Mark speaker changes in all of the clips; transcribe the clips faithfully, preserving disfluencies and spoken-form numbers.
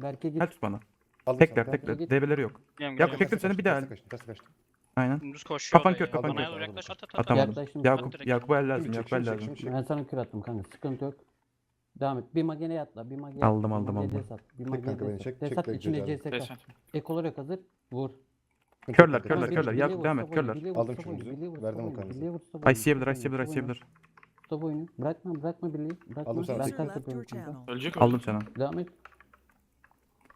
Speaker 1: Berke git.
Speaker 2: Gel tut bana.
Speaker 3: Aldım
Speaker 2: Tekrar
Speaker 3: sana.
Speaker 2: tekrar.
Speaker 1: git.
Speaker 2: D B'leri yok.
Speaker 4: Geliyorum,
Speaker 2: Yakup
Speaker 4: geliyorum.
Speaker 2: çektim seni bir daha.
Speaker 3: Terse kaçtım. Terse kaçtım.
Speaker 2: Aynen.
Speaker 4: Dümdüz koşuyor.
Speaker 2: Kafan
Speaker 4: olay
Speaker 2: kör,
Speaker 4: ya.
Speaker 2: kafan
Speaker 4: Bana
Speaker 3: kör.
Speaker 4: yaklaş, yaklaş, at, at, at.
Speaker 2: Atamadım.
Speaker 1: Yaklaştım.
Speaker 2: Yakup,
Speaker 4: direkt.
Speaker 2: Yakup'a el lazım.
Speaker 3: Şimdi çek,
Speaker 2: Yakup'a el
Speaker 3: şimdi çek,
Speaker 2: lazım.
Speaker 3: şimdi çek.
Speaker 1: Ben sana kür attım kanka. Sıkıntı yok. Devam et. Bir magene atla. Bir magene
Speaker 2: Aldım,
Speaker 1: atla, bir
Speaker 2: aldım,
Speaker 1: magene
Speaker 2: aldım.
Speaker 1: desat, Bir
Speaker 3: Çek
Speaker 1: magene
Speaker 3: kanka beni,
Speaker 1: desat.
Speaker 3: çek,
Speaker 1: Desat
Speaker 3: çek,
Speaker 1: içine
Speaker 3: bekle,
Speaker 1: C S K.
Speaker 4: Desat.
Speaker 1: Ek olarak hazır. Vur.
Speaker 2: Körler,
Speaker 3: Kanka,
Speaker 2: körler,
Speaker 1: Bili-
Speaker 2: körler.
Speaker 1: Bili
Speaker 2: Yakup
Speaker 1: vur,
Speaker 2: devam et,
Speaker 1: stop oyunu,
Speaker 2: körler.
Speaker 1: Bili vur,
Speaker 3: Aldım
Speaker 1: stop
Speaker 3: şunu
Speaker 1: oyunu,
Speaker 3: düzü,
Speaker 1: Bili vur,
Speaker 3: verdim
Speaker 1: stop
Speaker 3: o kanıza.
Speaker 1: oyunu, Bili vur, stop
Speaker 2: Ay
Speaker 1: oyunu,
Speaker 2: siyebilir, ay
Speaker 1: stop
Speaker 2: siyebilir, ay
Speaker 1: oyunu,
Speaker 2: siyebilir.
Speaker 1: Stop oyunu. Bırakma, bırakma Billy'yi. Bırakma.
Speaker 3: Aldım sana
Speaker 1: Ben
Speaker 3: tekrar.
Speaker 1: takip yapıyorum kanka.
Speaker 4: Ölecek
Speaker 2: Aldım
Speaker 4: ölecek.
Speaker 2: sana.
Speaker 1: Devam et.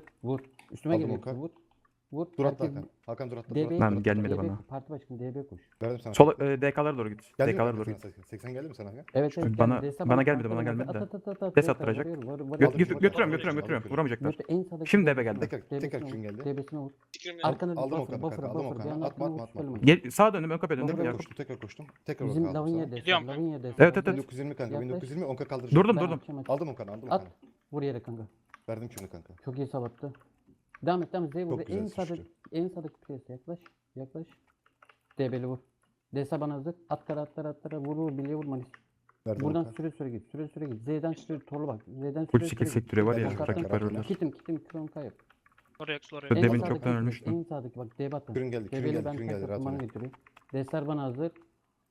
Speaker 1: hazır. Vur. Üstüme
Speaker 3: Aldım
Speaker 1: geliyor.
Speaker 3: Okan.
Speaker 1: Vur. Vur.
Speaker 3: Dur atla
Speaker 1: Herkes
Speaker 3: Hakan. Hakan dur atla.
Speaker 1: D
Speaker 3: Dur
Speaker 1: B'ye
Speaker 3: atla.
Speaker 2: Lan
Speaker 3: dur atla.
Speaker 2: gelmedi
Speaker 1: D B
Speaker 2: bana.
Speaker 1: Parti başkanı D B koş.
Speaker 3: Verdim sana.
Speaker 2: Sola e, D K'lara doğru git.
Speaker 3: Geldi
Speaker 2: D
Speaker 3: mi
Speaker 2: K'lara
Speaker 3: kanka
Speaker 2: doğru
Speaker 3: sana
Speaker 2: git.
Speaker 3: seksen geldi mi sana Hakan?
Speaker 1: Evet evet.
Speaker 2: Bana-
Speaker 1: geldi. Deste
Speaker 2: bana gelmedi,
Speaker 1: parti
Speaker 2: bana
Speaker 1: başkanı
Speaker 2: gelmedi
Speaker 1: at,
Speaker 2: de.
Speaker 1: at, at, at,
Speaker 2: Des
Speaker 1: D K
Speaker 2: attıracak.
Speaker 1: vuruyor, vur, vur,
Speaker 2: Gö-
Speaker 1: vur.
Speaker 3: Aldım
Speaker 2: gö-
Speaker 3: şunu,
Speaker 2: götürüyorum
Speaker 3: aldım
Speaker 2: götürüyorum
Speaker 3: şunu,
Speaker 2: götürüyorum.
Speaker 3: aldım
Speaker 2: Vuramayacaklar.
Speaker 1: Mete en sağdaki
Speaker 2: Şimdi
Speaker 1: D
Speaker 2: eve
Speaker 1: B'sine
Speaker 2: geldi.
Speaker 1: vur,
Speaker 3: Tekrar-
Speaker 1: D
Speaker 3: tekrar
Speaker 1: B'sine
Speaker 3: kürün
Speaker 1: vur,
Speaker 3: geldi.
Speaker 1: D B'sine vur.
Speaker 5: Fikrim yok.
Speaker 1: Arkana
Speaker 3: Aldım
Speaker 1: buffer,
Speaker 3: Okan'ı
Speaker 1: buffer,
Speaker 3: kanka, aldım
Speaker 1: buffer.
Speaker 3: Okan'ı.
Speaker 1: Devam et,
Speaker 3: Atma, atma,
Speaker 1: vur,
Speaker 3: atma,
Speaker 1: söyleme.
Speaker 3: atma.
Speaker 2: Gel sağa döndüm ön kapıya döndüm.
Speaker 3: Tekrar
Speaker 2: Yakup.
Speaker 3: koştum, tekrar koştum. Tekrar
Speaker 1: Bizim
Speaker 3: Okan'ı aldım
Speaker 1: Lavinia
Speaker 3: sana.
Speaker 1: deste,
Speaker 5: Gidiyorum ben.
Speaker 1: Lavinia deste.
Speaker 2: Evet, evet,
Speaker 1: hazır.
Speaker 2: evet.
Speaker 3: bin dokuz yüz yirmi kanka,
Speaker 1: Yaklaş.
Speaker 3: bin dokuz yüz yirmi on k kaldıracağım.
Speaker 2: Durdum
Speaker 1: Ben
Speaker 2: durdum.
Speaker 1: akşam aç.
Speaker 3: Aldım Okan'ı, aldım
Speaker 1: At.
Speaker 3: Okan'ı.
Speaker 1: Vur yere kanka.
Speaker 3: Verdim kürünü kanka.
Speaker 1: Çok iyi sabattı. Devam et, devam et. Z vur.
Speaker 3: Çok güzel
Speaker 1: En sağda,
Speaker 3: sıçtı.
Speaker 1: en sağdaki piyasa yaklaş. Yaklaş. D B'li vur. Deste bana hazır. At kara, at kara, at kara. Vur vur. Bilye vur Manis.
Speaker 3: Verdim
Speaker 1: Buradan
Speaker 3: Okan.
Speaker 1: süre süre git. Süre süre git. Z'den süre torlu bak. Z'den
Speaker 2: Full
Speaker 1: süre
Speaker 2: skill
Speaker 1: süre
Speaker 2: sektörü var ya.
Speaker 3: Ben
Speaker 1: Bak,
Speaker 2: Rakip
Speaker 1: attım.
Speaker 2: var orada.
Speaker 1: Kitim kitim kron kayıp.
Speaker 5: Oraya oraya.
Speaker 2: Şu
Speaker 1: En
Speaker 2: demin
Speaker 1: sağdaki
Speaker 2: çoktan
Speaker 1: bak,
Speaker 2: ölmüştüm.
Speaker 1: En sağdaki bak D batın.
Speaker 3: Kürün geldi, kürün
Speaker 1: D B'li
Speaker 3: geldi,
Speaker 1: ben
Speaker 3: kürün
Speaker 1: tek
Speaker 3: geldi. Rahat
Speaker 1: atım bana
Speaker 3: oyna.
Speaker 1: getiriyor. Destler bana hazır.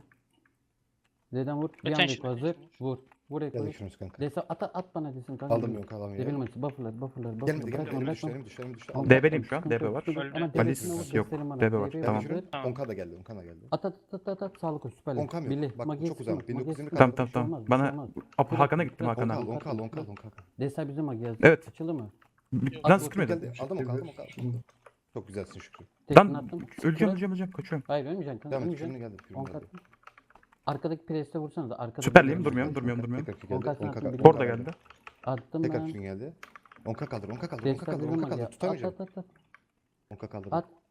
Speaker 1: vur. Z'den vur. Bir
Speaker 5: Geçen
Speaker 1: anda
Speaker 5: şimdi.
Speaker 1: hazır. Vur. Vur
Speaker 3: Geldi
Speaker 1: Eko'yu.
Speaker 3: kürümüz kanka.
Speaker 1: Desa at at bana desin kanka.
Speaker 3: Aldım yok alamıyorum.
Speaker 1: Debil maçı. Buffer'lar buffer'lar
Speaker 3: Gelmedi
Speaker 1: buffer'lar. Bırakma
Speaker 3: gelmedi.
Speaker 1: bırakma.
Speaker 3: Düşlerim düşlerim düşlerim.
Speaker 1: Tamam,
Speaker 3: Aldım.
Speaker 2: D B
Speaker 1: bırakma,
Speaker 2: diyim şu an,
Speaker 1: sıkıntı
Speaker 2: D B
Speaker 1: yok,
Speaker 2: var.
Speaker 1: sıkıntı yok.
Speaker 5: Öldü.
Speaker 1: Ama
Speaker 2: Valis
Speaker 1: devesine vur,
Speaker 2: yok,
Speaker 1: gösterin bana.
Speaker 2: D B var,
Speaker 1: D B
Speaker 2: tamam.
Speaker 1: hazır.
Speaker 3: Geldi
Speaker 5: Tamam.
Speaker 3: kürüm. on K da geldi on K da geldi.
Speaker 1: At at at at at sağlık koş süperlik.
Speaker 3: on K yok.
Speaker 1: Billy.
Speaker 3: Bak,
Speaker 1: Magi'ye
Speaker 3: çok uzak.
Speaker 1: sıkma,
Speaker 3: bin dokuz yüz
Speaker 1: Magi'ye
Speaker 3: yirmi
Speaker 1: sıkma.
Speaker 2: Tamam
Speaker 1: Bir
Speaker 2: tamam
Speaker 1: şey olmaz,
Speaker 2: tamam.
Speaker 1: bir şey
Speaker 2: Bana
Speaker 1: olmaz.
Speaker 2: Apo Hakan'a gittim
Speaker 1: Bırak,
Speaker 3: on
Speaker 2: Hakan'a.
Speaker 3: K
Speaker 1: Hakan.
Speaker 3: on K on K on K on K.
Speaker 1: Desa bizim Magi hazır.
Speaker 2: Evet.
Speaker 1: Açıldı mı?
Speaker 2: Lan
Speaker 1: At,
Speaker 2: sıkmıyordum.
Speaker 3: Geldi. Aldım on K aldım on K. Çok güzelsin Şükrü.
Speaker 1: Tekini
Speaker 2: Lan
Speaker 1: attım.
Speaker 2: öleceğim
Speaker 1: Bırak.
Speaker 2: öleceğim öleceğim kaçıyorum.
Speaker 1: Hayır ölmeyeceksin kanka.
Speaker 3: Devam et.
Speaker 1: Ölmeyeceksin.
Speaker 3: Kürünü geldi. Kürünü
Speaker 1: on
Speaker 3: geldi.
Speaker 1: kat. Arkadaki preste vursana da. Arkada
Speaker 2: Süperliyim,
Speaker 1: bir-
Speaker 2: durmuyorum, durmuyorum, durmuyorum.
Speaker 3: Tekrar kürü
Speaker 1: on
Speaker 3: geldi.
Speaker 1: K
Speaker 3: on K
Speaker 1: attım,
Speaker 3: kaldı.
Speaker 2: Orada geldi.
Speaker 1: Attım
Speaker 3: Tekrar
Speaker 1: ben.
Speaker 3: kürün geldi. on K kaldır on K kaldır on K
Speaker 1: Desta
Speaker 3: kaldır
Speaker 1: bizim
Speaker 3: on K
Speaker 1: Magi.
Speaker 3: kaldır.
Speaker 1: At
Speaker 3: Tutamayacağım.
Speaker 1: at at at.
Speaker 3: on K kaldır.
Speaker 1: At.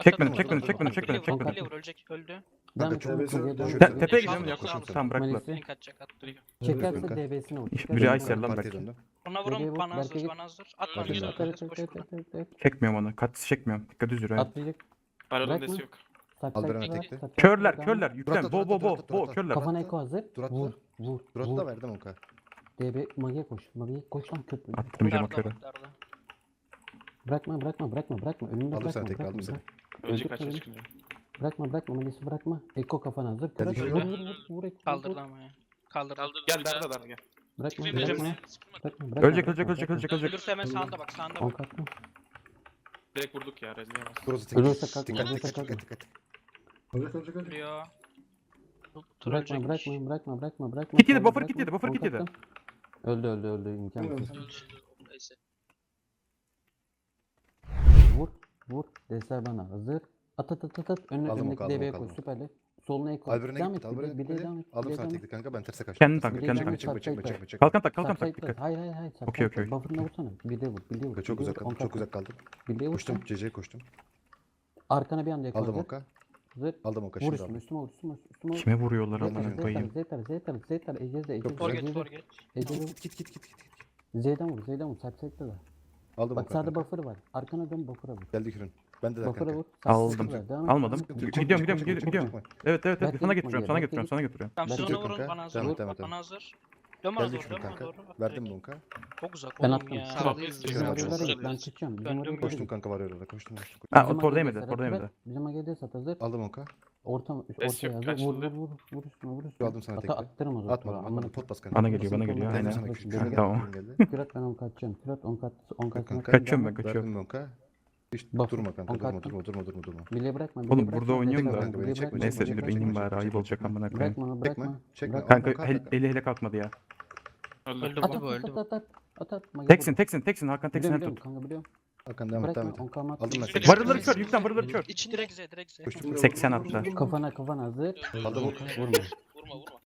Speaker 2: Çekmedim,
Speaker 3: at,
Speaker 2: çekmedim,
Speaker 3: at,
Speaker 2: çekmedim,
Speaker 3: at,
Speaker 2: çekmedim,
Speaker 1: at.
Speaker 2: çekmedim.
Speaker 6: Kale vur ölecek öldü.
Speaker 1: Devam et.
Speaker 3: çok-
Speaker 1: Mage'ye
Speaker 4: çok-
Speaker 1: devam
Speaker 4: çok-
Speaker 1: et.
Speaker 2: Te- Tepeye gidiyorum
Speaker 6: Yaşam
Speaker 2: Yakup.
Speaker 6: sağlık.
Speaker 2: Tamam bıraktılar.
Speaker 1: Malisi.
Speaker 6: Link atacak attı.
Speaker 1: Çekerse
Speaker 3: kanka.
Speaker 1: D B'sine vur.
Speaker 2: İş-
Speaker 1: çekerse
Speaker 2: biri
Speaker 1: D B'sine
Speaker 2: Aysel
Speaker 1: vur.
Speaker 2: lan
Speaker 3: Partiye
Speaker 2: belki.
Speaker 3: döndü.
Speaker 6: Ona
Speaker 1: Bebeğe
Speaker 6: vurun
Speaker 1: vur,
Speaker 6: bana hazır
Speaker 1: Berke'ye
Speaker 6: bana hazır. At
Speaker 5: Öldü
Speaker 6: bana
Speaker 5: yine.
Speaker 6: hazır.
Speaker 1: Evet, evet,
Speaker 6: Koş
Speaker 1: evet,
Speaker 6: buradan.
Speaker 1: evet, evet.
Speaker 2: Çekmiyorum onu. Katısı çekmiyorum. Dikkat düz yürü.
Speaker 1: Atlayacak.
Speaker 7: Baron'un
Speaker 1: Bırakma.
Speaker 7: desi yok.
Speaker 1: Tak
Speaker 3: Al
Speaker 1: tak
Speaker 3: Beren
Speaker 1: tak,
Speaker 3: tekte.
Speaker 1: tak, tak,
Speaker 2: Körler,
Speaker 1: tak,
Speaker 2: körler.
Speaker 1: devam.
Speaker 2: Yüklen.
Speaker 3: Duratla,
Speaker 2: Bo bo
Speaker 3: duratla,
Speaker 2: bo
Speaker 3: duratla,
Speaker 2: bo
Speaker 3: duratla.
Speaker 2: körler.
Speaker 1: Kafana eko hazır.
Speaker 3: Duratla.
Speaker 1: Vur, vur,
Speaker 3: Duratla
Speaker 1: vur.
Speaker 3: verdim Oka.
Speaker 1: D B Mage'ye koş. Mage'ye koş lan köprü.
Speaker 2: Attırmayacağım o
Speaker 6: Darda
Speaker 2: körü.
Speaker 6: bak, darda.
Speaker 1: Bırakma, bırakma, bırakma, bırakma. Önünde
Speaker 3: Aldım
Speaker 1: bırakma,
Speaker 3: sana tekrar, aldım
Speaker 1: bırakma.
Speaker 3: seni.
Speaker 7: Ölecek
Speaker 1: Öldürtme
Speaker 7: kaçar
Speaker 1: beni.
Speaker 7: çıkınca.
Speaker 1: Bırakma, bırakma. Mage'si bırakma. Eko kafana hazır.
Speaker 3: Geldi,
Speaker 1: Kıraç,
Speaker 3: geldi.
Speaker 1: vur, vur, vur, vur, Eko, vur,
Speaker 6: Kaldır
Speaker 1: vur.
Speaker 6: lan ama ya. Kaldır.
Speaker 5: Kaldır.
Speaker 7: Gel darda darda gel.
Speaker 1: Bırakma,
Speaker 5: Tipi
Speaker 1: bırakma.
Speaker 5: verirsin. Sıkılma.
Speaker 1: Bırakma, bırakma.
Speaker 2: Ölecek, ölecek,
Speaker 1: bırakma,
Speaker 2: ölecek,
Speaker 1: bırakma.
Speaker 2: ölecek, ölecek.
Speaker 6: Ölürse hemen sağında bak sağında
Speaker 1: On
Speaker 6: bak.
Speaker 1: katlı.
Speaker 7: Direkt vurduk ya rezileyemez.
Speaker 3: Burası tek.
Speaker 1: Ölürse kalk,
Speaker 3: Dikkat
Speaker 1: ölürse
Speaker 3: dikkat
Speaker 1: kalk.
Speaker 3: dikkat dikkat.
Speaker 4: Ölecek ölecek ölecek.
Speaker 6: Vuruyor. Tur
Speaker 1: Bırakma,
Speaker 6: ölecekmiş.
Speaker 1: bırakma, bırakma, bırakma, bırakma.
Speaker 2: Kit yedi,
Speaker 1: Solda
Speaker 2: buffer kit
Speaker 1: bırakma.
Speaker 2: yedi, buffer
Speaker 1: On
Speaker 2: kit yedi.
Speaker 1: katlı. Öldü, öldü, öldü. İmkansız.
Speaker 5: Neyse.
Speaker 1: Vur, vur. Deser bana. Hazır. At at at at at. Önüne
Speaker 3: Aldım o
Speaker 1: önündeki
Speaker 3: kaldım, o
Speaker 1: deveye koy.
Speaker 3: kaldım.
Speaker 1: Süperli. Soluna ek koy.
Speaker 3: Alber'ine
Speaker 1: Devam
Speaker 3: git.
Speaker 1: et.
Speaker 3: Alber'ine
Speaker 1: Bir de
Speaker 3: git.
Speaker 1: devam et.
Speaker 3: Aldım
Speaker 1: bir de
Speaker 3: sana
Speaker 1: devam et.
Speaker 3: tekli kanka ben terse kaçtım.
Speaker 2: Kendini takla,
Speaker 1: Bir de
Speaker 2: kendini
Speaker 1: devam
Speaker 2: takla.
Speaker 1: et,
Speaker 3: Çekme çekme
Speaker 1: subside
Speaker 3: çekme çekme.
Speaker 2: Kalkan tak, kalkan tak,
Speaker 1: Subside
Speaker 2: dikkat.
Speaker 1: Hayır hayır hayır.
Speaker 2: Okey,
Speaker 1: subside
Speaker 2: okey.
Speaker 1: Buffer'ına vursana. Bir de vur. Bir de vur.
Speaker 3: Çok
Speaker 1: bir de
Speaker 3: uzak
Speaker 1: vur. On
Speaker 3: kaldım. Çok
Speaker 1: katlı.
Speaker 3: uzak kaldım.
Speaker 1: Bir de vur.
Speaker 3: Koştum. C C'ye koştum.
Speaker 1: Arkana bir anda yakın.
Speaker 3: Aldım
Speaker 1: hazır.
Speaker 3: oka.
Speaker 1: Hazır.
Speaker 3: Aldım oka
Speaker 1: Vur
Speaker 3: şimdi
Speaker 1: üstüme,
Speaker 3: aldım.
Speaker 1: üstüme vur, üstüme vur, üstüme vur.
Speaker 2: Kime vuruyorlar
Speaker 1: Zeytar,
Speaker 2: amına
Speaker 1: Zeytar,
Speaker 2: koyayım.
Speaker 1: Zeytar, Zeytar, Zeytar, Ecez'de, Ecez'de,
Speaker 6: For geç
Speaker 1: Ecez'de,
Speaker 6: for geç.
Speaker 1: Ecez'de.
Speaker 3: Git git git git git.
Speaker 1: Z'den vur, Z'den vur, subside'de da.
Speaker 3: Aldım
Speaker 1: Bak
Speaker 3: oka.
Speaker 1: sağda
Speaker 3: kanka.
Speaker 1: buffer var. Arkana dön buffer'a vur.
Speaker 3: Geldi kürün. Ben de de
Speaker 1: Buffer'a
Speaker 3: kanka.
Speaker 1: vur.
Speaker 2: Aldım.
Speaker 1: subside'de devam et,
Speaker 2: Almadım.
Speaker 1: devam et.
Speaker 3: Sıkıntı yok,
Speaker 2: Gidiyorum,
Speaker 3: çabuk,
Speaker 2: gidiyorum,
Speaker 3: çabuk,
Speaker 2: gidiyorum,
Speaker 3: çabuk, çabuk.
Speaker 2: Evet, evet, evet.
Speaker 1: Belki
Speaker 2: Sana
Speaker 1: gitme
Speaker 2: getiriyorum,
Speaker 1: geri,
Speaker 2: sana
Speaker 1: belki
Speaker 2: getiriyorum,
Speaker 1: git.
Speaker 2: sana götürüyorum.
Speaker 6: Tamam
Speaker 1: Ben
Speaker 6: siz
Speaker 1: de-
Speaker 6: ona vurun
Speaker 3: Kanka,
Speaker 6: bana hazır.
Speaker 3: devam et,
Speaker 6: Vur,
Speaker 3: devam et,
Speaker 6: Bana
Speaker 3: devam
Speaker 6: hazır. Dön bana
Speaker 3: Geldi
Speaker 6: doğru
Speaker 3: kürün
Speaker 6: dön bana
Speaker 3: kanka.
Speaker 6: doğru. Bak,
Speaker 3: Verdim
Speaker 6: direkt.
Speaker 3: bu oka.
Speaker 6: Çok uzak
Speaker 1: Ben
Speaker 6: oğlum
Speaker 1: attım.
Speaker 6: ya.
Speaker 7: Tamam.
Speaker 1: Bizim
Speaker 3: Güzel,
Speaker 1: varyolara
Speaker 3: güzel.
Speaker 1: git, ben çıkıyorum. Bizim
Speaker 6: Döndüm,
Speaker 1: varyolara
Speaker 6: koştum.
Speaker 3: Koştum
Speaker 1: git.
Speaker 3: kanka var orada. Koştum. koştum.
Speaker 2: Ha,
Speaker 1: Bizim
Speaker 2: o tor
Speaker 1: AG'de
Speaker 2: değmedi,
Speaker 1: sat,
Speaker 2: tor değmedi.
Speaker 1: bırak. Bizim A G'de sat hazır.
Speaker 3: Aldım oka.
Speaker 1: Orta,
Speaker 7: Ses
Speaker 1: ortaya
Speaker 7: yok,
Speaker 1: hazır. Vur, vur,
Speaker 7: kaçtı.
Speaker 1: vur, vur üstüne, vur üstüne.
Speaker 3: Aldım sana
Speaker 1: Ata
Speaker 3: tekli.
Speaker 1: attırım o zaman.
Speaker 3: Atmadım.
Speaker 1: Amına
Speaker 3: Atmadım. Pot bas kanka.
Speaker 2: Bana geliyor, bana geliyor.
Speaker 1: Geldi
Speaker 3: Geldi
Speaker 2: Aynen.
Speaker 3: sana
Speaker 1: Koş,
Speaker 3: kürün.
Speaker 1: geri
Speaker 3: Geldi,
Speaker 2: Tamam.
Speaker 3: kürün geldi.
Speaker 1: Kürat ben on kaçacağım. Kürat on kat, on kat.
Speaker 3: kanka.
Speaker 2: Kaçıyorum ben, kaçıyorum.
Speaker 3: Verdim bu oka. Hiç
Speaker 1: Buffer,
Speaker 3: durma kanka.
Speaker 1: on
Speaker 3: Durma
Speaker 1: katlı.
Speaker 3: durma durma durma durma.
Speaker 1: Bile bırakma. bile
Speaker 2: Oğlum
Speaker 1: bırakma,
Speaker 2: burada oynuyorum
Speaker 1: destek
Speaker 2: da.
Speaker 1: al,
Speaker 3: Beni
Speaker 1: bile
Speaker 3: çekme,
Speaker 1: bırakma,
Speaker 2: Neyse
Speaker 1: bile
Speaker 2: dur
Speaker 1: bırakma.
Speaker 2: ineyim bari, ayıp olacak amına koyayım.
Speaker 1: Bırakma,
Speaker 3: Çekme.
Speaker 1: bırakma.
Speaker 3: Çekme.
Speaker 1: Bırak.
Speaker 2: Kanka
Speaker 3: Kanka,
Speaker 2: hel-
Speaker 3: kanka.
Speaker 2: eli hele kalkmadı ya.
Speaker 7: Öldü.
Speaker 6: Öldü
Speaker 1: At
Speaker 6: bu
Speaker 1: at
Speaker 6: öldü.
Speaker 1: at at at at at. Magi
Speaker 2: Teksin,
Speaker 1: vur.
Speaker 2: teksin, teksin. Hakan teksin
Speaker 1: Biliyorum,
Speaker 2: her
Speaker 1: biliyorum,
Speaker 2: tut.
Speaker 1: kanka biliyorum.
Speaker 3: Hakan devam et devam
Speaker 1: Bırakma,
Speaker 3: et.
Speaker 1: on kamat.
Speaker 3: Aldım ben
Speaker 5: Varılır
Speaker 3: seni.
Speaker 2: Varılır kör, yüklen varılır kör.
Speaker 6: İç direkt Z direkt Z.
Speaker 3: Koştum.
Speaker 2: seksen attı.
Speaker 1: Kafana kafana hazır.
Speaker 5: Öldü,
Speaker 3: Aldım
Speaker 5: öldü,
Speaker 3: oka.
Speaker 5: öldü.
Speaker 1: Vurma.
Speaker 5: Vurma vurma.